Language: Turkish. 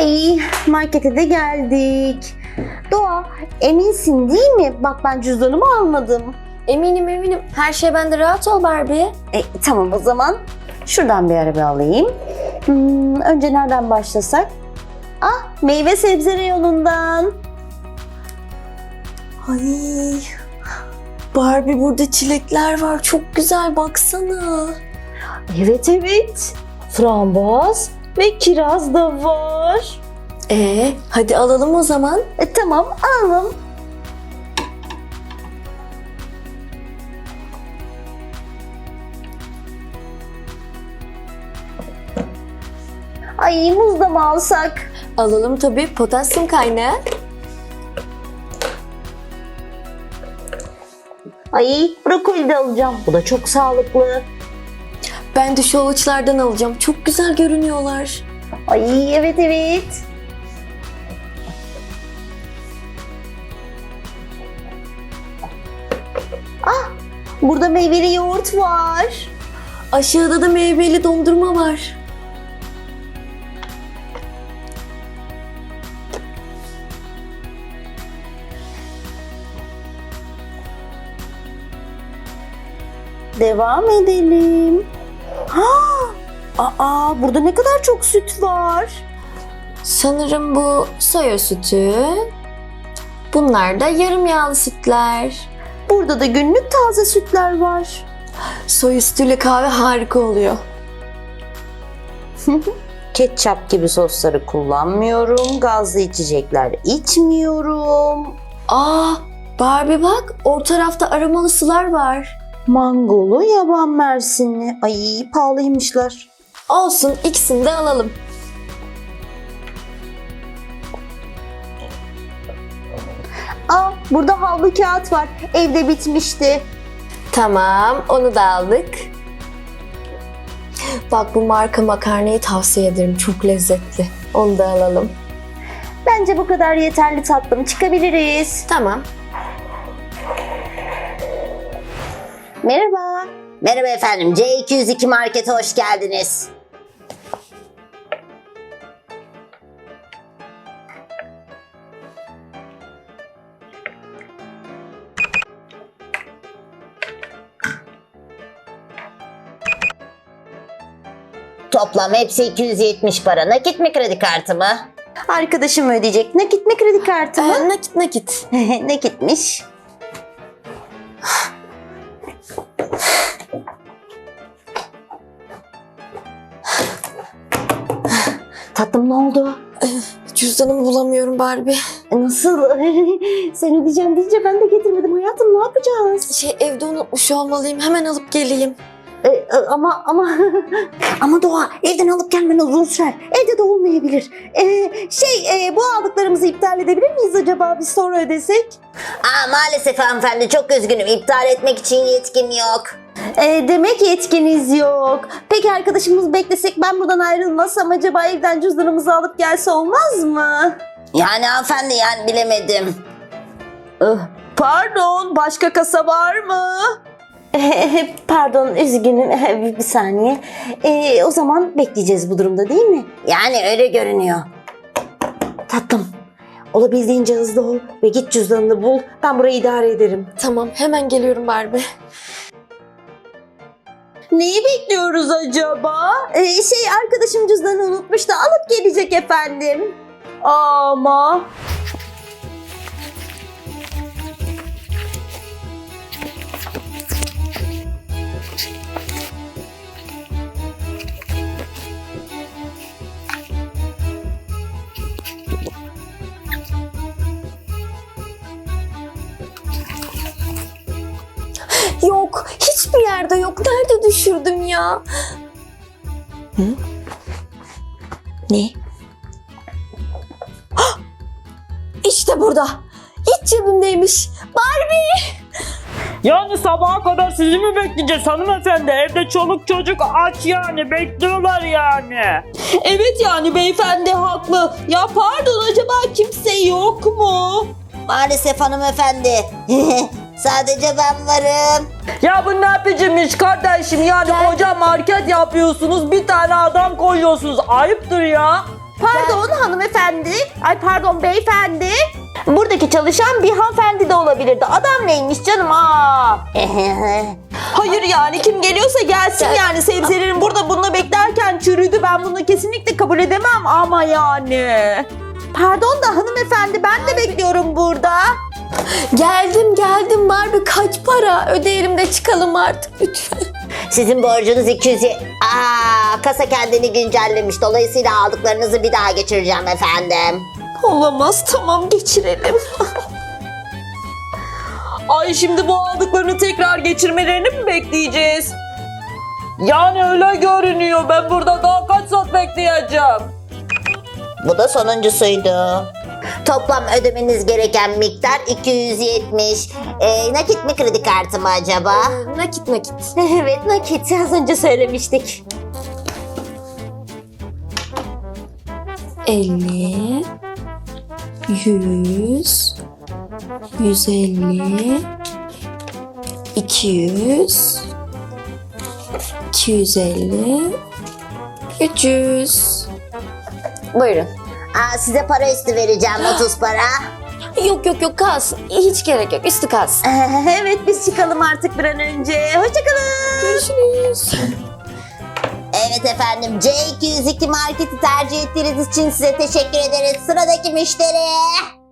Ay, markete de geldik. Doğa, eminsin değil mi? Bak ben cüzdanımı almadım. Eminim. Her şey bende, rahat ol Barbie. Tamam o zaman. Şuradan bir araba alayım. Önce nereden başlasak? Meyve sebze reyonundan. Ay Barbie, burada çilekler var. Çok güzel, baksana. Evet. Frambuaz ve kiraz da var. Hadi alalım o zaman. Tamam, alalım. Ay, muz da mı alsak? Alalım tabii, potasyum kaynağı. Ay, brokoli de alacağım. Bu da çok sağlıklı. Ben de şu avuçlardan alacağım. Çok güzel görünüyorlar. Ay, evet. Burada meyveli yoğurt var. Aşağıda da meyveli dondurma var. Devam edelim. Burada ne kadar çok süt var. Sanırım bu soya sütü. Bunlar da yarım yağlı sütler. Burada da günlük taze sütler var. Soya sütüyle kahve harika oluyor. Ketçap gibi sosları kullanmıyorum. Gazlı içecekler içmiyorum. Barbie bak, o tarafta aromalı sular var. Mangolu, yaban mersinli. Ay, pahalıymışlar. Olsun, ikisini de alalım. Burada havlu kağıt var. Evde bitmişti. Tamam, onu da aldık. Bak, bu marka makarnayı tavsiye ederim. Çok lezzetli. Onu da alalım. Bence bu kadar yeterli tatlım. Çıkabiliriz. Tamam. Merhaba. Merhaba efendim. C202 Market'e hoş geldiniz. Toplam hepsi 270 para. Nakit mi, kredi kartı mı? Arkadaşım ödeyecek. Nakit mi, kredi kartı mı? Nakit. Nakitmiş. Tatlım, ne oldu? Cüzdanımı bulamıyorum Barbie. Nasıl? Sen ödeyeceğim deyince ben de getirmedim hayatım. Ne yapacağız? Evde unutmuş olmalıyım. Hemen alıp geleyim. Ama Doğa, evden alıp gelmen uzun sürer. Evde de olmayabilir. Bu aldıklarımızı iptal edebilir miyiz acaba? Biz sonra ödesek. Maalesef hanımefendi, çok üzgünüm. İptal etmek için yetkim yok. Demek yetkiniz yok. Peki arkadaşımız beklesek, ben buradan ayrılmazsam acaba evden cüzdanımızı alıp gelse olmaz mı? Yani hanımefendi, bilemedim. Pardon, başka kasa var mı? Pardon, üzgünüm. Bir saniye. O zaman bekleyeceğiz bu durumda, değil mi? Yani öyle görünüyor. Tatlım, olabildiğince hızlı ol ve git cüzdanını bul. Ben burayı idare ederim. Tamam, hemen geliyorum Barbie. Neyi bekliyoruz acaba? Arkadaşım cüzdanını unutmuş da alıp gelecek efendim. Ama... Yok, hiçbir yerde yok. Nerede düşürdüm ya? Ne? İşte burada. İç cebimdeymiş. Barbie! Yani sabaha kadar sizi mi bekleyeceğiz hanımefendi? Evde çoluk çocuk aç yani, bekliyorlar yani. Evet, beyefendi haklı. Ya pardon, acaba kimse yok mu? Maalesef hanımefendi. Sadece ben varım. Ya bu ne biçim iş kardeşim, yani koca market yapıyorsunuz, bir tane adam koyuyorsunuz, ayıptır ya. Pardon hanımefendi. Ay pardon beyefendi. Buradaki çalışan bir hanımefendi de olabilirdi. Adam neymiş canım? Hayır yani kim geliyorsa gelsin yani. Sebzelerin burada bununla beklerken çürüdü. Ben bunu kesinlikle kabul edemem ama yani. Pardon da hanımefendi ben de bekliyorum burada. Geldim Barbie, kaç para? Ödeyelim de çıkalım artık lütfen. Sizin borcunuz 200. Kasa kendini güncellemiş. Dolayısıyla aldıklarınızı bir daha geçireceğim efendim. Olamaz, tamam geçirelim. Ay şimdi bu aldıklarını tekrar geçirmelerini mi bekleyeceğiz? Yani öyle görünüyor. Ben burada daha kaç saat bekleyeceğim? Bu da sonuncusuydu. Toplam ödemeniz gereken miktar 270. Nakit mi kredi kartı mı acaba? Nakit. Evet nakit. Az önce söylemiştik. 50, 100, 150, 200, 250, 300. Buyurun. Size para üstü vereceğim 30 para. Yok kalsın. Hiç gerek yok. Üstü kalsın. Evet biz çıkalım artık bir an önce. Hoşçakalın. Görüşürüz. Evet efendim C202 marketi tercih ettiğiniz için size teşekkür ederiz. Sıradaki müşteri.